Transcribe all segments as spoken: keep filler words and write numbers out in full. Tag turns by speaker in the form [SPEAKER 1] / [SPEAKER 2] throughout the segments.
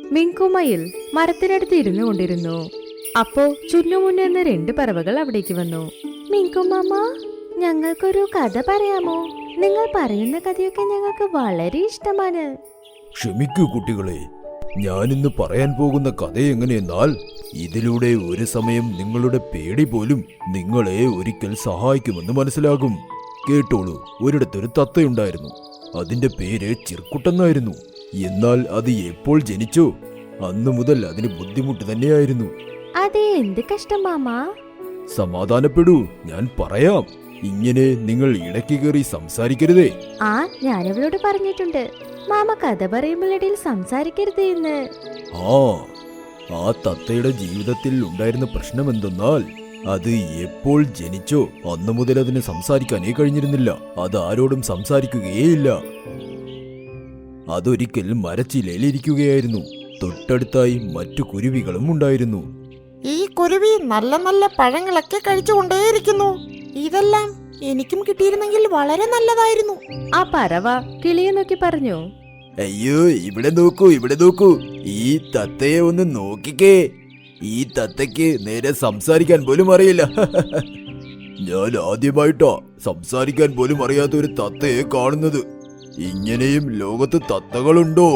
[SPEAKER 1] മിങ്കുമയിൽ മരത്തിനടുത്ത് ഇരുന്നു കൊണ്ടിരുന്നു. അപ്പോ ചുന്നുമുന്നെന്ന് രണ്ട് പറവകൾ അവിടേക്ക് വന്നു. മിങ്കുമാമ, ഞങ്ങൾക്കൊരു കഥ പറയാമോ? നിങ്ങൾ പറയുന്ന കഥയൊക്കെ ഞങ്ങൾക്ക് വളരെ ഇഷ്ടമാണ്.
[SPEAKER 2] ക്ഷമിക്കൂ കുട്ടികളെ, ഞാനിന്ന് പറയാൻ പോകുന്ന കഥ എങ്ങനെയെന്നാൽ, ഇതിലൂടെ ഒരു സമയം നിങ്ങളുടെ പേടി പോലും നിങ്ങളെ ഒരിക്കൽ സഹായിക്കുമെന്ന് മനസ്സിലാകും. കേട്ടോളൂ. ഒരിടത്തൊരു തത്തയുണ്ടായിരുന്നു. അതിന്റെ പേര് ചിർക്കുട്ടെന്നായിരുന്നു. എന്നാൽ അത് എപ്പോൾ ജനിച്ചോ അന്നു മുതൽ അതിന് ബുദ്ധിമുട്ട് തന്നെയായിരുന്നു.
[SPEAKER 1] അതെ, എന്ത് കഷ്ടം മാമ.
[SPEAKER 2] സമാധാനപ്പെടൂ, ഞാൻ പറയാം. ഇങ്ങനെ നിങ്ങൾ ഇടയ്ക്ക് കയറി സംസാരിക്കരുതേ.
[SPEAKER 1] ആ, ഞാനവളോട് പറഞ്ഞിട്ടുണ്ട്, മാമ കഥ പറയുമ്പോഴിടയിൽ സംസാരിക്കരുത് എന്ന്.
[SPEAKER 2] ആ ആ തത്തയുടെ ജീവിതത്തിൽ ഉണ്ടായിരുന്ന പ്രശ്നം എന്തെന്നാൽ, അത് എപ്പോൾ ജനിച്ചോ അന്നു മുതൽ അതിന് സംസാരിക്കാനേ കഴിഞ്ഞിരുന്നില്ല. അത് ആരോടും സംസാരിക്കുകയേയില്ല. അതൊരിക്കൽ മരച്ചിലയിലിരിക്കുകയായിരുന്നു. തൊട്ടടുത്തായി മറ്റു കുരുവികളും ഉണ്ടായിരുന്നു.
[SPEAKER 3] ഈ കുരുവി നല്ല നല്ല പഴങ്ങളൊക്കെ കഴിച്ചുകൊണ്ടേയിരിക്കുന്നു. ഇതെല്ലാം എനിക്കും കിട്ടിയിരുന്നെങ്കിൽ വളരെ നല്ലതായിരുന്നു.
[SPEAKER 1] ആ പറവ കിളിയെ നോക്കി പറഞ്ഞു.
[SPEAKER 2] അയ്യോ, ഇവിടെ നോക്കൂ, ഇവിടെ നോക്കൂ. ഈ തത്തയെ ഒന്ന് നോക്കിക്കേ. ഈ തത്തയ്ക്ക് നേരെ സംസാരിക്കാൻ പോലും അറിയില്ല. ഞാൻ ആദ്യമായിട്ടാ സംസാരിക്കാൻ പോലും അറിയാത്ത ഒരു തത്തയെ കാണുന്നത്. ഇങ്ങനെയും ലോകത്ത് തത്തകളുണ്ടോ?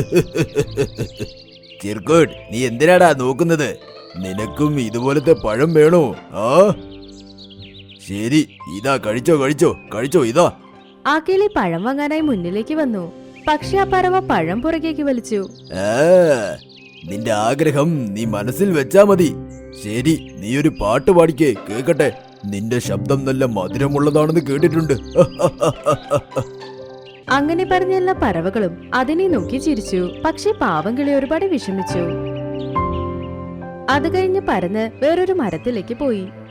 [SPEAKER 2] ചിർക്കോട്ട്, നീ എന്തിനാടാ നോക്കുന്നത്? നിനക്കും ഇതുപോലത്തെ പഴം വേണോ? ആ ശരി, ഇതാ, കഴിച്ചോ കഴിച്ചോ കഴിച്ചോ ഇതാ.
[SPEAKER 1] ആ കിളി പഴം വാങ്ങാനായി മുന്നിലേക്ക് വന്നു. പക്ഷെ ആ പറവ പഴം പുറകേക്ക് വലിച്ചു.
[SPEAKER 2] ആ നിന്റെ ആഗ്രഹം നീ മനസ്സിൽ വെച്ചാ മതി. ശരി, നീ ഒരു പാട്ട് പാടിക്കേ, കേക്കട്ടെ. നിന്റെ ശബ്ദം നല്ല മധുരമുള്ളതാണെന്ന് കേട്ടിട്ടുണ്ട്.
[SPEAKER 1] അങ്ങനെ പറഞ്ഞ എല്ലാ പറവകളും അതിനെ നോക്കി ചിരിച്ചു. പക്ഷെ പാവം കിളി ഒരുപാട് വിഷമിച്ചു. അത് കഴിഞ്ഞ് പറന്ന് വേറൊരു മരത്തിലേക്ക് പോയി.